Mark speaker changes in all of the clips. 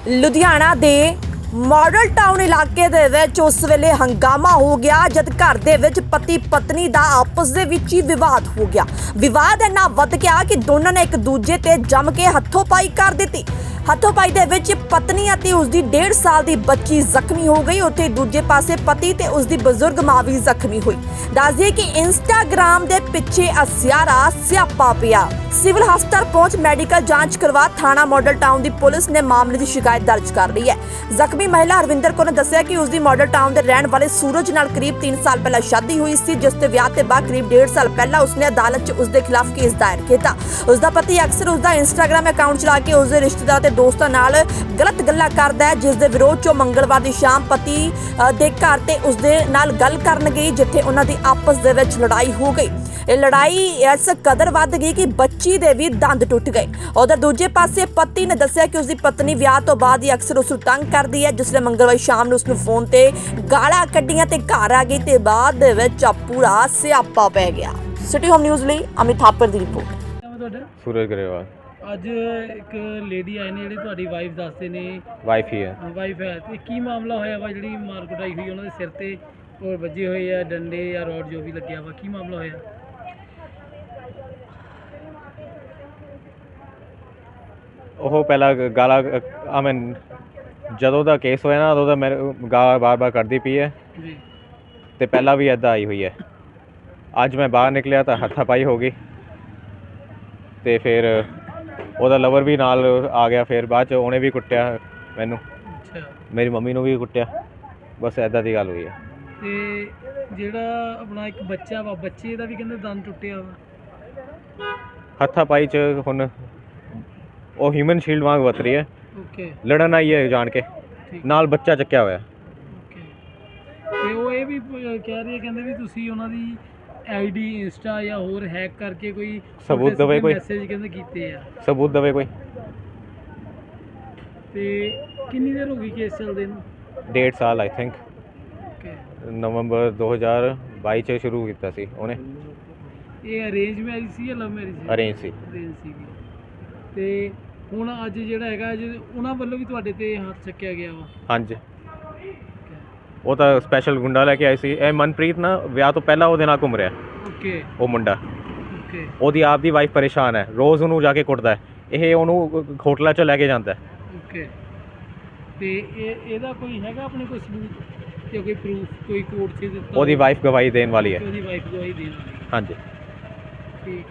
Speaker 1: ਲੁਧਿਆਣਾ ਦੇ model town ਇਲਾਕੇ ਦੇ ਵਿੱਚ ਉਸ ਵੇਲੇ ਹੰਗਾਮਾ ਹੋ ਗਿਆ ਜਦ ਘਰ ਦੇ ਵਿੱਚ ਪਤੀ ਪਤਨੀ ਦਾ ਆਪਸ ਦੇ ਵਿੱਚ ਹੀ ਵਿਵਾਦ ਹੋ ਗਿਆ। ਵਿਵਾਦ ਇੰਨਾ ਵੱਧ ਗਿਆ ਕਿ ਦੋਨਾਂ ਨੇ ਇੱਕ ਦੂਜੇ ਤੇ ਜੰਮ ਕੇ ਹੱਥੋਂ-ਪਾਈ ਕਰ ਦਿੱਤੀ। ਹੱਥੋਂ-ਪਾਈ ਦੇ ਵਿੱਚ ਪਤਨੀ ਅਤੇ ਉਸ ਦੀ 1.5 ਸਾਲ ਦੀ ਬੱਚੀ ਜ਼ਖਮੀ ਹੋ ਗਈ। ਉੱਥੇ ਦੂਜੇ ਪਾਸੇ ਪਤੀ ਤੇ ਉਸ ਦੀ ਬਜ਼ੁਰਗ ਮਾਂ ਵੀ ਜ਼ਖਮੀ ਹੋਈ। ਦੱਸ ਦਈਏ ਕਿ ਇੰਸਟਾਗ੍ਰਾਮ ਦੇ ਪਿੱਛੇ ਅਸਿਆਰਾ ਸਿਆਪਾ ਪਿਆ। ਸਿਵਲ ਹਸਪਤਾਲ ਪਹੁੰਚ ਮੈਡੀਕਲ ਜਾਂਚ ਕਰਵਾ ਥਾਣਾ ਮਾਡਲ ਟਾਊਨ ਦੀ ਪੁਲਿਸ ਨੇ ਮਾਮਲੇ ਦੀ ਸ਼ਿਕਾਇਤ ਦਰਜ ਕਰ ਲਈ ਹੈ। ਜ਼ਖਮੀ ਮਹਿਲਾ ਹਰਵਿੰਦਰ ਕੌਰ ਨੇ ਦੱਸਿਆ ਕਿ ਉਸ ਦੀ ਮਾਡਲ ਟਾਊਨ ਦੇ ਰਹਿਣ ਵਾਲੇ ਸੂਰਜ ਨਾਲ ਕਰੀਬ 3 ਸਾਲ ਪਹਿਲਾਂ ਸ਼ਾਦੀ ਹੋਈ ਸੀ, ਜਿਸ ਦੇ ਵਿਆਹ ਤੋਂ ਬਾਅਦ ਕਰੀਬ 1.5 ਸਾਲ ਪਹਿਲਾਂ ਉਸਨੇ ਅਦਾਲਤ 'ਚ ਉਸ ਦੇ ਖਿਲਾਫ ਕੇਸ ਦਾਇਰ ਕੀਤਾ। ਉਸ ਦਾ ਪਤੀ ਅਕਸਰ ਉਸ ਦਾ ਇੰਸਟਾਗ੍ਰਾਮ ਅਕਾਊਂਟ ਚਲਾ ਕੇ ਉਸ ਦੇ ਰਿਸ਼ਤੇਦਾਰਾਂ ਤੇ ਦੋਸਤਾਂ ਨਾਲ ਗਲਤ ਗੱਲਾਂ ਕਰਦਾ ਹੈ, ਜਿਸ ਦੇ ਵਿਰੋਧ 'ਚ ਮੰਗਲਵਾਰ ਦੀ ਸ਼ਾਮ ਪਤੀ ਦੇ ਘਰ ਤੇ ਉਸ ਦੇ ਨਾਲ ਗੱਲ ਕਰਨ ਗਈ, ਜਿੱਥੇ ਉਹਨਾਂ ਦੀ ਆਪਸ ਦੇ ਵਿੱਚ ਲੜਾਈ ਹੋ ਗਈ। ਇਹ ਲੜਾਈ ਇਸ ਕਦਰ ਵੱਧ ਗਈ ਕਿ ਬੱਚੀ ਦੇ ਵੀ ਦੰਦ ਟੁੱਟ ਗਏ। ਉਧਰ ਦੂਜੇ ਪਾਸੇ ਪਤੀ ਨੇ ਦੱਸਿਆ ਕਿ ਉਸ ਦੀ ਪਤਨੀ ਵਿਆਹ ਤੋਂ ਬਾਅਦ ਹੀ ਅਕਸਰ ਉਸ ਨੂੰ ਤੰਗ ਕਰਦੀ ਹੈ, ਜਿਸ ਨੇ ਮੰਗਲਵਾਰ ਸ਼ਾਮ ਨੂੰ ਉਸ ਨੂੰ ਫੋਨ ਤੇ ਗਾਲਾਂ ਕੱਢੀਆਂ ਤੇ ਘਰ ਆ ਗਈ ਤੇ ਬਾਅਦ ਦੇ ਵਿੱਚ ਪੂਰਾ ਸਿਆਪਾ ਪੈ ਗਿਆ। ਸਿਟੀ ਹੋਮ ਨਿਊਜ਼ ਲਈ ਅਮਿਤ ਥਾਪਰ ਦੀ ਰਿਪੋਰਟ।
Speaker 2: सूरज ग्रेवाल
Speaker 3: ਅੱਜ ਇੱਕ ਲੇਡੀ ਆਏ ਨੇ ਜਿਹੜੇ ਤੁਹਾਡੀ ਵਾਈਫ ਦੱਸਦੇ ਨੇ
Speaker 2: वाइफ ही है।
Speaker 3: ਵਾਈਫ ਹੈ ਤੇ ਕੀ ਮਾਮਲਾ ਹੋਇਆ ਵਾ ਜਿਹੜੀ ਮਾਰ ਕੁਟਾਈ ਹੋਈ ਉਹਨਾਂ ਦੇ ਸਿਰ ਤੇ ਔਰ ਵੱਜੇ ਹੋਏ ਆ ਡੰਡੇ ਜਾਂ ਰੋਡ ਜੋ ਵੀ ਲੱਗਿਆ ਵਾ, ਕੀ ਮਾਮਲਾ ਹੋਇਆ?
Speaker 2: ਉਹ ਪਹਿਲਾਂ ਗਾਲਾਂ ਮੈਂ ਜਦੋਂ ਦਾ ਕੇਸ ਹੋਇਆ ਨਾ ਉਦੋਂ ਦਾ ਮੇਰੇ ਗਾਲਾਂ ਬਾਰ-ਬਾਰ ਕਰਦੀ ਪਈ ਹੈ
Speaker 3: ਜੀ
Speaker 2: ਤੇ ਪਹਿਲਾਂ ਵੀ ਇੱਦਾਂ ਆਈ ਹੋਈ ਹੈ। ਅੱਜ ਮੈਂ ਬਾਹਰ ਨਿਕਲਿਆ ਤਾਂ ਹੱਥਾਪਾਈ ਹੋ ਗਈ ਤੇ ਫਿਰ ਉਹਦਾ ਲਵਰ ਵੀ ਨਾਲ ਆ ਗਿਆ। ਫਿਰ ਬਾਅਦ 'ਚ ਉਹਨੇ ਵੀ ਕੁੱਟਿਆ ਮੈਨੂੰ,
Speaker 3: ਅੱਛਾ।
Speaker 2: ਮੇਰੀ ਮੰਮੀ ਨੂੰ ਵੀ ਕੁੱਟਿਆ। ਬਸ ਇੱਦਾਂ ਦੀ ਗੱਲ ਹੋਈ ਹੈ।
Speaker 3: ਤੇ ਜਿਹੜਾ ਆਪਣਾ ਇੱਕ ਬੱਚਾ ਵਾ, ਬੱਚੇ ਦਾ ਵੀ ਕਹਿੰਦੇ ਦੰਦ ਟੁੱਟਿਆ ਵਾ।
Speaker 2: ਹੱਥਾਪਾਈ 'ਚ ਹੁਣ ਉਹ ਹਿਊਮਨ ਸ਼ੀਲਡ ਵਾਂਗ ਵਰਤ ਰਹੀ ਹੈ।
Speaker 3: ਓਕੇ,
Speaker 2: ਲੜਨ ਆਈ ਹੈ ਜਾਣ ਕੇ,
Speaker 3: ਠੀਕ।
Speaker 2: ਨਾਲ ਬੱਚਾ ਚੱਕਿਆ ਹੋਇਆ।
Speaker 3: ਓਕੇ, ਤੇ ਉਹ ਇਹ ਵੀ ਕਹਿ ਰਹੀ ਹੈ, ਕਹਿੰਦੇ ਵੀ ਤੁਸੀਂ ਉਹਨਾਂ ਦੀ ਆਈਡੀ ਇੰਸਟਾ ਜਾਂ ਹੋਰ ਹੈਕ ਕਰਕੇ ਕੋਈ
Speaker 2: ਸਬੂਤ ਦੇਵੇ, ਕੋਈ
Speaker 3: ਮੈਸੇਜ ਕਹਿੰਦੇ ਕੀਤੇ ਆ।
Speaker 2: ਸਬੂਤ ਦੇਵੇ ਕੋਈ।
Speaker 3: ਤੇ ਕਿੰਨੀ ਦੇਰ ਹੋ ਗਈ ਕੇਸ ਚੱਲਦੇ ਨੂੰ?
Speaker 2: 1.5 ਸਾਲ ਆਈ ਥਿੰਕ।
Speaker 3: ਓਕੇ,
Speaker 2: ਨਵੰਬਰ 2022 'ਚ ਸ਼ੁਰੂ ਕੀਤਾ ਸੀ ਉਹਨੇ।
Speaker 3: ਇਹ ਅਰੇਂਜ ਮੈਰਿਜ ਸੀ ਜਾਂ ਲਵ ਮੈਰਿਜ ਸੀ?
Speaker 2: ਅਰੇਂਜ ਸੀ।
Speaker 3: ਅਰੇਂਜ ਸੀਗੀ। ਤੇ ਹੁਣ ਅੱਜ ਜਿਹੜਾ ਹੈਗਾ ਅੱਜ ਉਹਨਾਂ ਵੱਲੋਂ ਵੀ ਤੁਹਾਡੇ ਤੇ ਹੱਥ ਚੱਕਿਆ ਗਿਆ ਵਾ।
Speaker 2: ਹਾਂਜੀ, ਉਹ ਤਾਂ ਸਪੈਸ਼ਲ ਗੁੰਡਾ ਲੈ ਕੇ ਆਏ ਸੀ। ਇਹ ਮਨਪ੍ਰੀਤ ਨਾ ਵਿਆਹ ਤੋਂ ਪਹਿਲਾਂ ਉਹਦੇ ਨਾਲ ਘੁੰਮ ਰਿਹਾ।
Speaker 3: ਓਕੇ,
Speaker 2: ਉਹ ਮੁੰਡਾ,
Speaker 3: ਓਕੇ,
Speaker 2: ਉਹਦੀ ਆਪ ਦੀ ਵਾਈਫ ਪਰੇਸ਼ਾਨ ਹੈ, ਰੋਜ਼ ਉਹਨੂੰ ਜਾ ਕੇ ਕੁੱਟਦਾ ਹੈ। ਇਹ ਉਹਨੂੰ ਹੋਟਲਾਂ 'ਚ ਲੈ ਕੇ ਜਾਂਦਾ ਹੈ।
Speaker 3: ਓਕੇ, ਤੇ ਇਹਦਾ ਕੋਈ ਹੈਗਾ ਆਪਣੇ ਕੋਈ ਸਬੂਤ ਜਾਂ ਕੋਈ ਪ੍ਰੂਫ ਕੋਈ ਕੋਰਟ 'ਚ ਦਿੱਤਾ?
Speaker 2: ਉਹਦੀ ਵਾਈਫ ਗਵਾਹੀ ਦੇਣ ਵਾਲੀ ਹੈ।
Speaker 3: ਉਹਦੀ ਵਾਈਫ ਗਵਾਹੀ ਦੇਣ ਵਾਲੀ।
Speaker 2: ਹਾਂਜੀ।
Speaker 3: ਠੀਕ।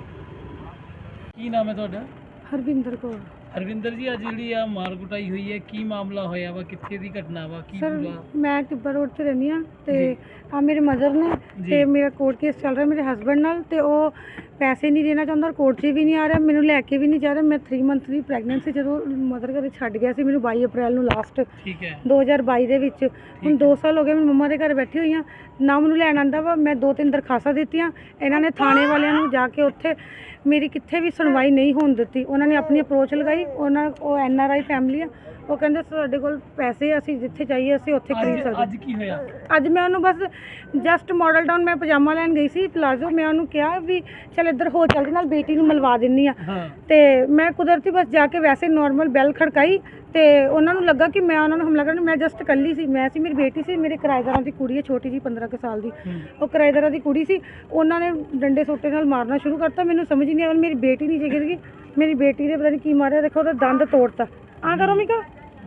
Speaker 3: ਕੀ ਨਾਮ ਹੈ ਤੁਹਾਡਾ?
Speaker 4: ਹਰਵਿੰਦਰ ਕੌਰ।
Speaker 3: ਹਰਵਿੰਦਰ ਜੀ, ਅੱਜ ਜਿਹੜੀ ਆ ਮਾਰ ਕੁਟਾਈ ਹੋਈ ਹੈ, ਕੀ ਮਾਮਲਾ ਹੋਇਆ ਵਾ? ਕਿੱਥੇ ਦੀ ਘਟਨਾ ਵਾ? ਕੀ
Speaker 4: ਸਰ
Speaker 3: ਪੂਰਾ?
Speaker 4: ਮੈਂ ਟਿੱਬਾ ਰੋਡ ਤੇ ਰਹਿੰਦੀ ਹਾਂ ਤੇ
Speaker 3: ਜੀ।
Speaker 4: ਆ ਮੇਰੇ ਮਦਰ ਨੇ
Speaker 3: ਜੀ।
Speaker 4: ਤੇ ਮੇਰਾ ਕੋਰਟ ਕੇਸ ਚੱਲ ਰਿਹਾ ਮੇਰੇ ਹਸਬੰਡ ਨਾਲ ਤੇ ਉਹ ਪੈਸੇ ਨਹੀਂ ਦੇਣਾ ਚਾਹੁੰਦਾ ਔਰ ਕੋਰਟ 'ਚ ਵੀ ਨਹੀਂ ਆ ਰਿਹਾ, ਮੈਨੂੰ ਲੈ ਕੇ ਵੀ ਨਹੀਂ ਜਾ ਰਿਹਾ। ਮੈਂ 3 ਮੰਥ ਦੀ ਪ੍ਰੈਗਨੈਂਟ ਸੀ ਜਦੋਂ ਮਦਰ ਘਰੇ ਛੱਡ ਗਿਆ ਸੀ ਮੈਨੂੰ 22 ਅਪ੍ਰੈਲ ਨੂੰ ਲਾਸਟ
Speaker 3: ਠੀਕ ਹੈ।
Speaker 4: 2022 ਦੇ ਵਿੱਚ। ਹੁਣ 2 ਸਾਲ ਹੋ ਗਏ ਮੈਂ ਮੰਮਾ ਦੇ ਘਰ ਬੈਠੀ ਹੋਈ ਹਾਂ, ਨਾ ਮੈਨੂੰ ਲੈਣ ਆਉਂਦਾ ਵਾ। ਮੈਂ 2-3 ਦਰਖਾਸਤਾਂ ਦਿੱਤੀਆਂ, ਇਹਨਾਂ ਨੇ ਥਾਣੇ ਵਾਲਿਆਂ ਨੂੰ ਜਾ ਕੇ ਉੱਥੇ ਮੇਰੀ ਕਿੱਥੇ ਵੀ ਸੁਣਵਾਈ ਨਹੀਂ ਹੋਣ ਦਿੱਤੀ। ਉਹਨਾਂ ਨੇ ਆਪਣੀ ਅਪਰੋਚ ਲਗਾਈ। ਉਹ NRI ਫੈਮਿਲੀ ਆ, ਉਹ ਕਹਿੰਦੇ ਸਾਡੇ ਕੋਲ ਪੈਸੇ, ਅਸੀਂ ਜਿੱਥੇ ਚਾਹੀਏ ਅਸੀਂ ਉੱਥੇ ਖਰੀਦ ਸਕਦੇ।
Speaker 3: ਅੱਜ ਕੀ ਹੋਇਆ?
Speaker 4: ਅੱਜ ਮੈਂ ਉਹਨੂੰ ਬਸ ਜਸਟ ਮਾਡਲ ਟਾਊਨ ਮੈਂ ਪਜਾਮਾ ਲੈਣ ਗਈ ਸੀ ਪਲਾਜ਼ੋ, ਮੈਂ ਉਹਨੂੰ ਕਿਹਾ ਵੀ ਚੱਲ ਇੱਧਰ ਹੋ ਚੱਲਦੇ ਨਾਲ ਬੇਟੀ ਨੂੰ ਮਿਲਵਾ ਦਿੰਨੀ ਆ।
Speaker 3: ਹਾਂ।
Speaker 4: ਤੇ ਮੈਂ ਕੁਦਰਤੀ ਬਸ ਜਾ ਕੇ ਵੈਸੇ ਨੋਰਮਲ ਬੈਲ ਖੜਕਾਈ ਤੇ ਉਹਨਾਂ ਨੂੰ ਲੱਗਾ ਕਿ ਮੈਂ ਉਹਨਾਂ ਨੂੰ ਹਮਲਾ ਕਰਨ। ਮੈਂ ਜਸਟ ਇਕੱਲੀ ਸੀ, ਮੈਂ ਸੀ, ਮੇਰੀ ਬੇਟੀ ਸੀ, ਮੇਰੇ ਕਿਰਾਏਦਾਰਾਂ ਦੀ ਕੁੜੀ ਹੈ ਛੋਟੀ ਜੀ 15 ਕੁ ਸਾਲ ਦੀ। ਉਹ ਕਿਰਾਏਦਾਰਾਂ ਦੀ ਕੁੜੀ ਸੀ, ਉਹਨਾਂ ਨੇ ਡੰਡੇ ਸੋਟੇ ਨਾਲ ਮਾਰਨਾ ਸ਼ੁਰੂ ਕਰਤਾ। ਮੈਨੂੰ ਸਮਝ ਨਹੀਂ ਆਇਆ, ਮੇਰੀ ਬੇਟੀ ਨੀਚੇ ਗਿਰ ਗਈ। ਮੇਰੀ ਬੇਟੀ ਦੇ ਪਤਾ ਨਹੀਂ ਕੀ ਮਾਰਿਆ, ਦੇਖੋ ਉਹਦਾ ਦੰਦ ਤੋੜਤਾ। ਆ ਕਰੋ ਮਿਕਾ।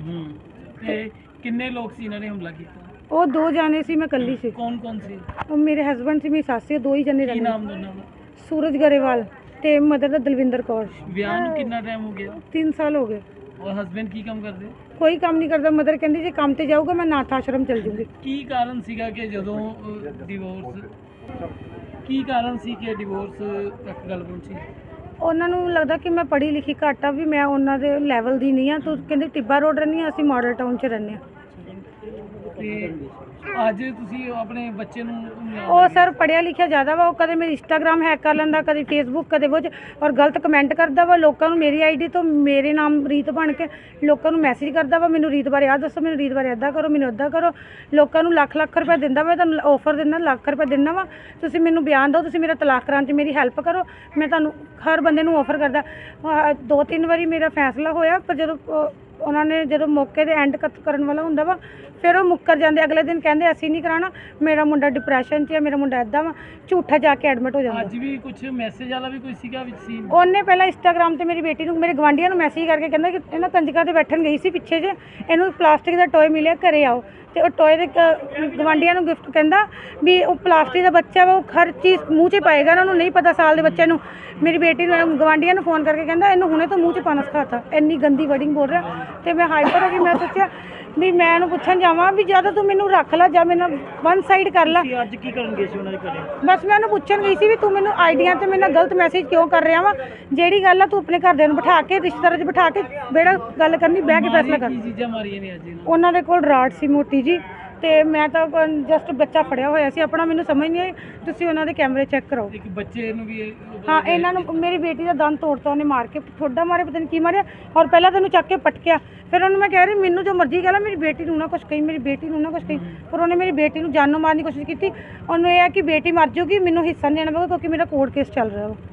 Speaker 3: ਤੇ ਕਿੰਨੇ ਲੋਕ ਸੀ ਇਹਨਾਂ ਨੇ ਹਮਲਾ ਕੀਤਾ?
Speaker 4: ਉਹ 2 ਜਾਣੇ ਸੀ, ਮੈਂ ਇਕੱਲੀ ਸੀ।
Speaker 3: ਕੌਣ ਕੌਣ ਸੀ?
Speaker 4: ਉਹ ਮੇਰੇ ਹਸਬੰਡ ਸੀ, ਮੇਰੀ ਸੱਸ ਸੀ, 2 ਹੀ ਜਣੇ
Speaker 3: ਕੀ
Speaker 4: ਰਹਿੰਦੇ।
Speaker 3: ਨਾਮ ਦੋਨਾਂ ਦਾ?
Speaker 4: ਸੂਰਜ ਗਰੇਵਾਲ ਤੇ ਮਦਰ ਦਾ ਦਲਵਿੰਦਰ ਕੌਰ।
Speaker 3: ਵਿਆਹ ਨੂੰ ਕਿੰਨਾ ਟਾਈਮ ਹੋ ਗਿਆ?
Speaker 4: 3 ਸਾਲ ਹੋ ਗਏ।
Speaker 3: ਔਰ ਹਸਬੈਂਡ ਕੀ ਕੰਮ ਕਰਦੇ?
Speaker 4: ਕੋਈ ਕੰਮ ਨਹੀਂ ਕਰਦਾ। ਮਦਰ ਕਹਿੰਦੀ ਜੇ ਕੰਮ ਤੇ ਜਾਊਗਾ ਮੈਂ ਨਾਥ ਆਸ਼ਰਮ ਚਲ ਜੂੰਗੀ।
Speaker 3: ਕੀ ਕਾਰਨ ਸੀਗਾ ਕਿ ਜਦੋਂ ਡਿਵੋਰਸ, ਕੀ ਕਾਰਨ ਸੀ ਕਿ ਡਿਵੋਰਸ ਤੱਕ ਗੱਲ ਪਹੁੰਚੀ?
Speaker 4: ਉਹਨਾਂ ਨੂੰ ਲੱਗਦਾ ਕਿ ਮੈਂ ਪੜ੍ਹੀ ਲਿਖੀ ਘੱਟ ਆ, ਵੀ ਮੈਂ ਉਹਨਾਂ ਦੇ ਲੈਵਲ ਦੀ ਨਹੀਂ ਆ। ਤੂੰ ਕਹਿੰਦੇ ਟਿੱਬਾ ਰੋਡ ਰਹਿੰਦੀ ਆ, ਅਸੀਂ ਮਾਡਲ ਟਾਊਨ 'ਚ ਰਹਿੰਦੇ ਆ।
Speaker 3: ਤੇ ਅੱਜ ਤੁਸੀਂ ਆਪਣੇ ਬੱਚੇ ਨੂੰ
Speaker 4: ਉਹ ਸਰ ਪੜ੍ਹਿਆ ਲਿਖਿਆ ਜ਼ਿਆਦਾ ਵਾ, ਉਹ ਕਦੇ ਮੇਰੀ ਇੰਸਟਾਗ੍ਰਾਮ ਹੈਕ ਕਰ ਲੈਂਦਾ, ਕਦੇ ਫੇਸਬੁੱਕ, ਕਦੇ ਕੁਝ, ਔਰ ਗਲਤ ਕਮੈਂਟ ਕਰਦਾ ਵਾ ਲੋਕਾਂ ਨੂੰ। ਮੇਰੀ ਆਈਡੀ ਤੋਂ ਮੇਰੇ ਨਾਮ ਰੀਤ ਬਣ ਕੇ ਲੋਕਾਂ ਨੂੰ ਮੈਸੇਜ ਕਰਦਾ ਵਾ, ਮੈਨੂੰ ਰੀਤ ਬਾਰੇ ਆਹ ਦੱਸੋ, ਮੈਨੂੰ ਰੀਤ ਬਾਰੇ ਇੱਦਾਂ ਕਰੋ, ਮੈਨੂੰ ਇੱਦਾਂ ਕਰੋ। ਲੋਕਾਂ ਨੂੰ ਲੱਖ ਰੁਪਏ ਦਿੰਦਾ ਵਾ, ਤੁਹਾਨੂੰ ਆਫਰ ਦਿੰਦਾ, ਲੱਖ ਰੁਪਏ ਦਿੰਦਾ ਵਾ, ਤੁਸੀਂ ਮੈਨੂੰ ਬਿਆਨ ਦਿਓ, ਤੁਸੀਂ ਮੇਰਾ ਤਲਾਕ ਕਰਾਉਣ 'ਚ ਮੇਰੀ ਹੈਲਪ ਕਰੋ। ਮੈਂ ਤੁਹਾਨੂੰ ਹਰ ਬੰਦੇ ਨੂੰ ਆਫਰ ਕਰਦਾ। 2-3 ਵਾਰੀ ਮੇਰਾ ਫੈਸਲਾ ਹੋਇਆ, ਪਰ ਜਦੋਂ ਉਹਨਾਂ ਨੇ ਜਦੋਂ ਮੌਕੇ ਤੇ ਐਂਡ ਕਰਨ ਵਾਲਾ ਹੁੰਦਾ ਵਾ ਫਿਰ ਉਹ ਮੁੱਕਰ ਜਾਂਦੇ। ਅਗਲੇ ਦਿਨ ਕਹਿੰਦੇ ਅਸੀਂ ਨਹੀਂ ਕਰਾਉਣਾ, ਮੇਰਾ ਮੁੰਡਾ ਡਿਪਰੈਸ਼ਨ 'ਚ ਹੈ, ਮੇਰਾ ਮੁੰਡਾ ਇੱਦਾਂ ਵਾ, ਝੂਠਾ ਜਾ ਕੇ ਐਡਮਿਟ ਹੋ ਜਾਂਦਾ।
Speaker 3: ਅੱਜ ਵੀ ਕੁਝ ਮੈਸੇਜ ਵਾਲਾ ਵੀ ਕੋਈ ਸੀਗਾ ਵਿੱਚ ਸੀ?
Speaker 4: ਉਹਨੇ ਪਹਿਲਾਂ ਇੰਸਟਾਗ੍ਰਾਮ ਤੇ ਮੇਰੀ ਬੇਟੀ ਨੂੰ, ਮੇਰੇ ਗਵਾਂਢੀਆਂ ਨੂੰ ਮੈਸੇਜ ਕਰਕੇ ਕਹਿੰਦਾ ਕਿ ਇਹਨਾਂ ਕੰਜਕਾਂ ਤੇ ਬੈਠਣ ਗਈ ਸੀ ਪਿੱਛੇ ਜੇ, ਇਹਨੂੰ ਪਲਾਸਟਿਕ ਦਾ ਟੋਏ ਮਿਲਿਆ, ਘਰੇ ਆਓ। ਤੇ ਉਹ ਟੋਏ ਦੇ ਗਵਾਂਢੀਆਂ ਨੂੰ ਗਿਫਟ ਕਹਿੰਦਾ ਵੀ ਉਹ ਪਲਾਸਟਿਕ ਦਾ ਬੱਚਾ ਵਾ, ਉਹ ਹਰ ਚੀਜ਼ ਮੂੰਹ 'ਚ ਪਾਏਗਾ, ਉਹਨਾਂ ਨੂੰ ਨਹੀਂ ਪਤਾ ਸਾਲ ਦੇ ਬੱਚੇ ਨੂੰ। ਮੇਰੀ ਬੇਟੀ ਨੂੰ ਗਵਾਂਢੀਆਂ ਨੂੰ ਫੋਨ ਕਰਕੇ ਕਹਿੰਦਾ ਇਹਨੂੰ ਹੁਣੇ ਤੋਂ ਮੂੰਹ 'ਚ ਪਾਣਾ ਸਿਖਾਤਾ, ਇੰਨੀ ਗੰਦੀ ਵਰਡਿੰਗ ਬੋਲ ਰਿਹਾ। ਤੇ ਮੈਂ ਹਾਈਪਰ ਹੋ ਗਈ। ਮੈਂ ਸੋਚਿਆ ਵੀ ਮੈਂ ਇਹਨੂੰ ਪੁੱਛਣ ਜਾਵਾਂ ਵੀ ਜਾਂ ਤਾਂ ਤੂੰ ਮੈਨੂੰ ਰੱਖ ਲੈ ਜਾਂ ਮੇਰੇ ਨਾਲ ਵਨ ਸਾਈਡ ਕਰ ਲੈ।
Speaker 3: ਅੱਜ ਕੀ ਕਰਨ ਗਏ ਸੀ ਉਹਨਾਂ ਦੇ ਘਰੇ?
Speaker 4: ਬਸ ਮੈਂ ਉਹਨੂੰ ਪੁੱਛਣ ਗਈ ਸੀ ਵੀ ਤੂੰ ਮੈਨੂੰ ਆਈਡੀਆਂ ਤੇ ਮੇਰੇ ਨਾਲ ਗਲਤ ਮੈਸੇਜ ਕਿਉਂ ਕਰ ਰਿਹਾ ਵਾ, ਜਿਹੜੀ ਗੱਲ ਆ ਤੂੰ ਆਪਣੇ ਘਰਦਿਆਂ ਨੂੰ ਬਿਠਾ ਕੇ, ਰਿਸ਼ਤੇਦਾਰਾਂ 'ਚ ਬਿਠਾ ਕੇ ਬੇੜਾ ਗੱਲ ਕਰਨੀ, ਬਹਿ ਕੇ ਫੈਸਲਾ ਕਰ।
Speaker 3: ਕੀ ਚੀਜ਼ਾਂ ਮਾਰੀਆਂ ਨੇ ਅੱਜ ਇਹਨਾਂ?
Speaker 4: ਉਹਨਾਂ ਦੇ ਕੋਲ ਰਾਡ ਸੀ ਮੋਟੀ ਜੀ, ਤੇ ਮੈਂ ਤਾਂ ਜਸਟ ਬੱਚਾ ਫੜਿਆ ਹੋਇਆ ਸੀ ਆਪਣਾ, ਮੈਨੂੰ ਸਮਝ ਨਹੀਂ ਆਈ। ਤੁਸੀਂ ਉਹਨਾਂ ਦੇ ਕੈਮਰੇ ਚੈੱਕ ਕਰਾਓ।
Speaker 3: ਇੱਕ ਬੱਚੇ ਨੂੰ ਵੀ
Speaker 4: ਹਾਂ, ਇਹਨਾਂ ਨੂੰ ਮੇਰੀ ਬੇਟੀ ਦਾ ਦੰਦ ਤੋੜਤਾ ਉਹਨੇ ਮਾਰ ਕੇ, ਠੋਡਾ ਮਾਰੇ, ਪਤਾ ਨਹੀਂ ਕੀ ਮਾਰਿਆ, ਔਰ ਪਹਿਲਾਂ ਤੈਨੂੰ ਚੱਕ ਕੇ ਪਟਕਿਆ। ਫਿਰ ਉਹਨੂੰ ਮੈਂ ਕਹਿ ਰਹੀ ਮੈਨੂੰ ਜੋ ਮਰਜ਼ੀ ਕਹਿ ਲੈ, ਮੇਰੀ ਬੇਟੀ ਨੂੰ ਨਾ ਕੁਛ ਕਹੀ, ਮੇਰੀ ਬੇਟੀ ਨੂੰ ਨਾ ਕੁਛ ਕਹੀ। ਪਰ ਉਹਨੇ ਮੇਰੀ ਬੇਟੀ ਨੂੰ ਜਾਨੋਂ ਮਾਰਨ ਦੀ ਕੋਸ਼ਿਸ਼ ਕੀਤੀ। ਉਹਨੂੰ ਇਹ ਹੈ ਕਿ ਬੇਟੀ ਮਰ ਜਾਊਗੀ, ਮੈਨੂੰ ਹਿੱਸਾ ਨਹੀਂ ਦੇਣਾ ਪਊਗਾ ਕਿਉਂਕਿ ਮੇਰਾ ਕੋਰਟ ਕੇਸ ਚੱਲ ਰਿਹਾ ਵਾ।